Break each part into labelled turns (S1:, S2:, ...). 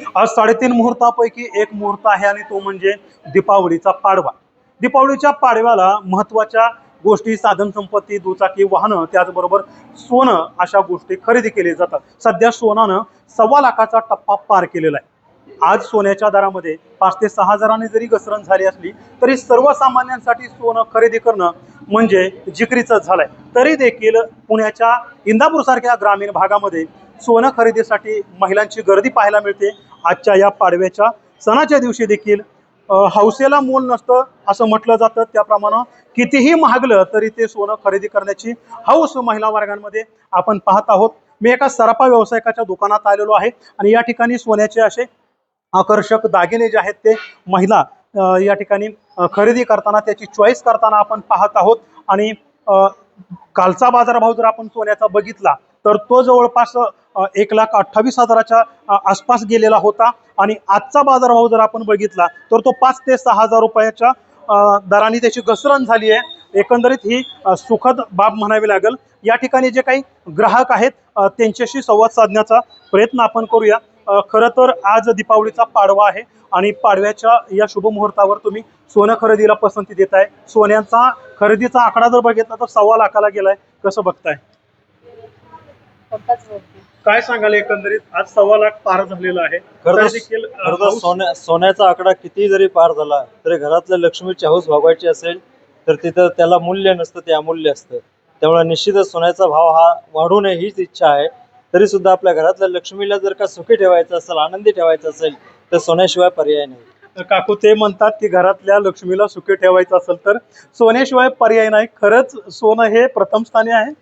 S1: आज 3.5 मुहूर्तापैकी एक मुहूर्त आहे आणि तो म्हणजे दीपावलीचा पाडवा। दीपावलीच्या पाडव्याला महत्त्वाच्या गोष्टी, साधन संपत्ती, दुचाकी वाहनं, त्याचबरोबर सोनं अशा गोष्टी खरेदी केली जातात। सध्या सोनानं 1.25 लाखाचा टप्पा पार केलेला आहे। आज सोन्याच्या दरामध्ये 5 ते 6 हजारांनी जरी घसरण झाली असली तरी सर्वसामान्यांसाठी सोनं खरेदी करणं म्हणजे जिकरीचं झालंय। तरी देखील पुण्याच्या इंदापूर सारख्या ग्रामीण भागामध्ये सोनं खरेदीसाठी महिलांची गर्दी पाहायला मिळते। आजच्या या पाडव्याच्या सणाच्या दिवशी देखील हौसेला मोल नसतं असं म्हटलं जातं, त्याप्रमाणे कितीही महागलं तरी ते सोनं खरेदी करण्याची हौस महिला वर्गांमध्ये आपण पाहत आहोत। मी एका सराफा व्यावसायिकाच्या दुकानात आलेलो आहे आणि या ठिकाणी सोन्याचे असे आकर्षक दागिने जे आहेत ते महिला या ठिकाणी खरेदी करताना, त्याची चॉईस करताना आपण पाहत आहोत। आणि कालचा बाजारभाव जर आपण सोन्याचा बघितला तर तो जवळपास 1,28,000च्या आसपास गेलेला होता आणि आजचा बाजारभाव जर आपण बघितला तर तो 5 ते 6 हजार रुपयाच्या दराने त्याची घसरण झाली आहे। एकंदरीत ही सुखद बाब म्हणावी लागेल। या ठिकाणी जे काही ग्राहक आहेत त्यांच्याशी संवाद साधण्याचा प्रयत्न आपण करूया। खरं तर आज दीपावलीचा पाडवा आहे आणि पाडव्याच्या या शुभ मुहूर्तावर तुम्ही सोनं खरेदीला पसंती देताय। सोन्याचा खरेदीचा आकडा जर बघितला तर 1.25 लाखाला गेलाय, कसं बघताय? काय सांगाल एकंदरीत आज 1.25 लाख पार झालेला आहे।
S2: सोन्याचा आकडा किती जरी पार झाला तरी घरातल्या लक्ष्मीची हौस भागवायची असेल तर तिथं त्याला मूल्य नसतं, ते अमूल्य असतं। त्यामुळे निश्चितच सोन्याचा भाव हा वाढू नये हीच इच्छा आहे। तरी सुद्धा आपल्या घरातल्या लक्ष्मीला जर का सुखी ठेवायचं असेल, आनंदी ठेवायचं असेल तर सोन्याशिवाय पर्याय नाही।
S1: काकू ते म्हणतात की घरातल्या लक्ष्मीला सुखी ठेवायचं असेल तर सोन्याशिवाय पर्याय नाही। खरंच सोनं हे प्रथम स्थानी आहे?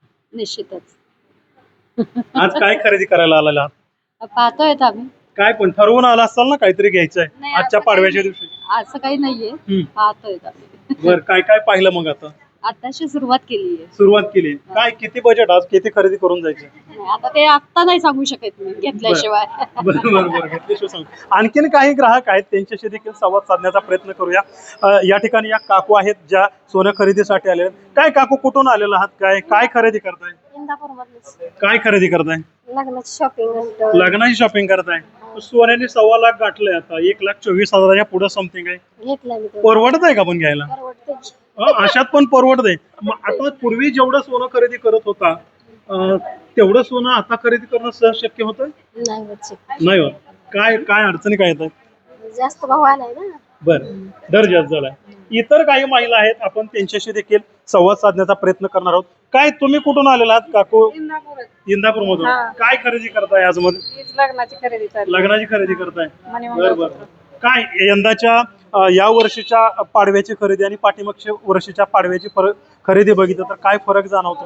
S3: निश्चितच।
S1: आज काय खरेदी करायला आलेला आहात?
S3: पाहतोय आम्ही।
S1: काय पण ठरवून आला असाल ना काहीतरी घ्यायचंय आजच्या पाडव्याच्या दिवशी?
S3: असं काही नाहीये, पाहतोय आम्ही।
S1: बरं, काय काय पाहिलं मग?
S3: आताशी सुरुवात केली आहे।
S1: सुरुवात केली काय? किती बजेट आज? किती खरेदी करून जायचं?
S3: आता ते आता नाही सांगू शकत मी घेतल्याशिवाय।
S1: बरोबर, घेतल्याशिवाय सांग। आणखीन काही ग्राहक आहेत त्यांच्याशी देखील संवाद साधण्याचा प्रयत्न करूया। या ठिकाणी या काकू आहेत ज्या सोनं खरेदीसाठी आले। काय काकू, कुठून आलेला आहात? काय खरेदी करताय? काय खरेदी करताय?
S3: लग्नाची शॉपिंग।
S1: लग्नाची शॉपिंग करताय? सोन्याने 1.25 लाख गाठलंय, आता 1,24,000च्या पुढे समथिंग आहे।
S3: घेतलाय मी।
S1: परवडत आहे का पण घ्यायला? अशात पण परवडते? आता पूर्वी जेवढं सोनं खरेदी करत होता तेवढं सोनं आता खरेदी करणं सहज शक्य होतं? नाही होत। काय काय अडचणी काय येतात?
S3: जास्त भाव आलाय ना।
S1: बरं, दर जास्त झालाय। इतर काही महिला आहेत, आपण त्यांच्याशी देखील संवाद साधण्याचा प्रयत्न करणार आहोत। काय, तुम्ही कुठून आलेला आहात काकू? इंदापूर मधून। काय खरेदी करताय आज? मध्ये
S3: लग्नाची खरेदी।
S1: लग्नाची खरेदी करताय? बरोबर। काय यंदाच्या या वर्षीच्या पाडव्याची खरेदी आणि पाठीमागच्या वर्षीच्या पाडव्याची खरेदी बघितलं तर काय फरक जाणवतो?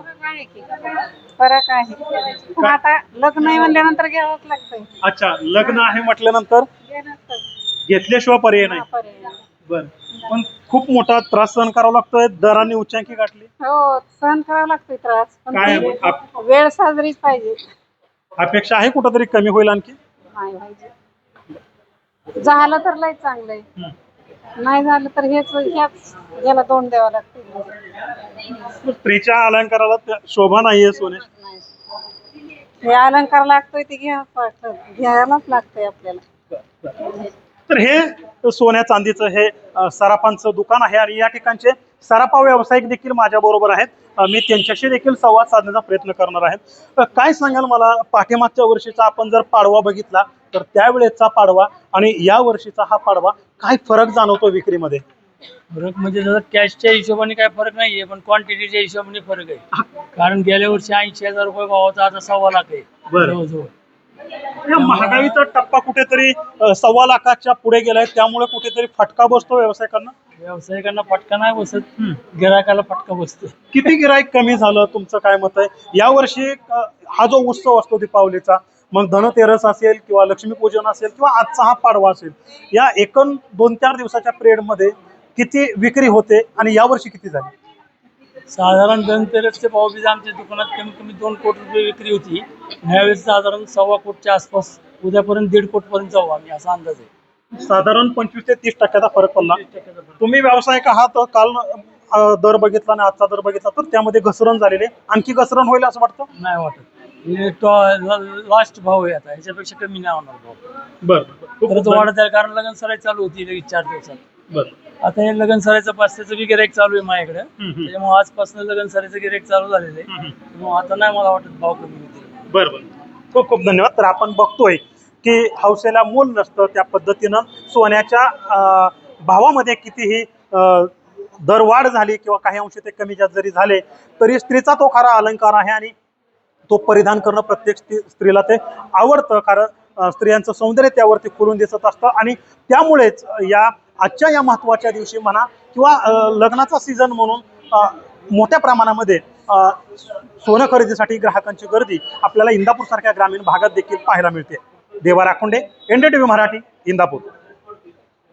S3: फरक आहे। आता लग्न आहे म्हणल्यानंतर घ्यावंच लागतंय।
S1: अच्छा, लग्न आहे म्हटल्यानंतर घेतल्याशिवाय पर्याय नाही। बर, पण खूप मोठा त्रास सहन करावा लागतोय, दराने उच्चांकी गाठली।
S3: हो, सहन करावा लागतोय त्रास, पण
S1: काय
S3: वेळ साजरीच पाहिजे।
S1: अपेक्षा आहे कुठंतरी कमी होईल आणखी?
S3: नाही पाहिजे, झालं तर लय चांगलंय, नाही झालं तर ह्याच याला तोंड द्यावं लागतं।
S1: स्त्रीच्या अलंकाराला शोभा नाहीये सोने।
S3: हे अलंकार लागतोय ते घ्यायलाच लागतंय आपल्याला।
S1: तर हे सोन्या चांदीचं हे सराफांचं दुकान आहे आणि या ठिकाणचे सराफा व्यावसायिक देखील माझ्या बरोबर आहेत। मी त्यांच्याशी देखील संवाद साधण्याचा प्रयत्न करणार आहे। काय सांगाल मला, पाठीमागच्या वर्षीचा आपण जर पाडवा बघितला तर त्यावेळेचा पाडवा आणि या वर्षीचा हा पाडवा काय फरक जाणवतो विक्रीमध्ये?
S4: फरक म्हणजे जर कॅशच्या हिशोबाने काय फरक नाहीये, पण क्वांटिटीच्या हिशोबाने फरक आहे। कारण गेल्या वर्षी 80,000 रुपये भावाचा आता 1.25 लाख आहे जवळजवळ।
S1: महागाईचा टप्पा कुठेतरी 1.25 लाखाच्या पुढे गेलाय, त्यामुळे कुठेतरी फटका बसतो व्यावसायिकांना।
S4: व्यावसायिकांना फटका नाही बसत, गिरायकाला फटका बसतो।
S1: किती गिराईक कमी झालं, तुमचं काय मत आहे? या वर्षी हा जो उत्सव असतो दीपावलीचा, मग धनतेरस असेल किंवा लक्ष्मीपूजन असेल किंवा आजचा हा पाडवा असेल, या एकूण 2-4 दिवसाच्या पिरियड मध्ये किती विक्री होते आणि या वर्षी किती झाली?
S4: साधारण धनतेरसचे भाव बीज आमच्या दुकानात कमीत कमी 2 कोटी रुपये विक्री होती। यावेळेस साधारण 1.25 कोटीच्या आसपास, उद्यापर्यंत 1.5 कोटी पर्यंत जाऊ आम्ही, असा अंदाज आहे।
S1: साधारण 25 ते 30% फरक पडला। तुम्ही व्यावसायिक आहात, काल दर बघितला आणि आजचा दर बघितला तर त्यामध्ये घसरण झालेली, आणखी घसरण होईल असं वाटतं?
S4: नाही वाटत। लास्ट भाव आहे आता, ह्याच्यापेक्षा कमी नाही होणार भाव.
S1: बरं
S4: परत वाढत आहे कारण लगन सराई चालू होती लगेच 4 दिवसात.
S1: बरं
S4: आता हे लगन सराईचं 500चं बी गिराईक चालू आहे माझ्याकडे,
S1: हम्म.
S4: त्याच्यामुळे आजपासून लगन सराईचं गिराईक चालू झालेलं आहे. त्यामुळे आता नाही मला वाटत भाव कमी होतील.
S1: बरं खूप खूप धन्यवाद. तर आपण बघतोय की हौसेला मोल नसतं, त्या पद्धतीनं सोन्याच्या भावामध्ये कितीही दरवाढ झाली किंवा काही अंशी ते कमी जास्त जरी झाले तरी स्त्रीचा तो खरा अलंकार आहे आणि तो परिधान करणं प्रत्येक स्त्रीला ते आवडतं. कारण स्त्रियांचं सौंदर्य त्यावरती खुलून दिसत असतं आणि त्यामुळेच आजच्या या महत्त्वाच्या दिवशी म्हणा किंवा लग्नाचा सीझन म्हणून मोठ्या प्रमाणामध्ये सोनं खरेदीसाठी ग्राहकांची गर्दी आपल्याला इंदापूर सारख्या ग्रामीण भागात देखील पाहायला मिळते. देवा राखुंडे, NDTV मराठी, इंदापूर.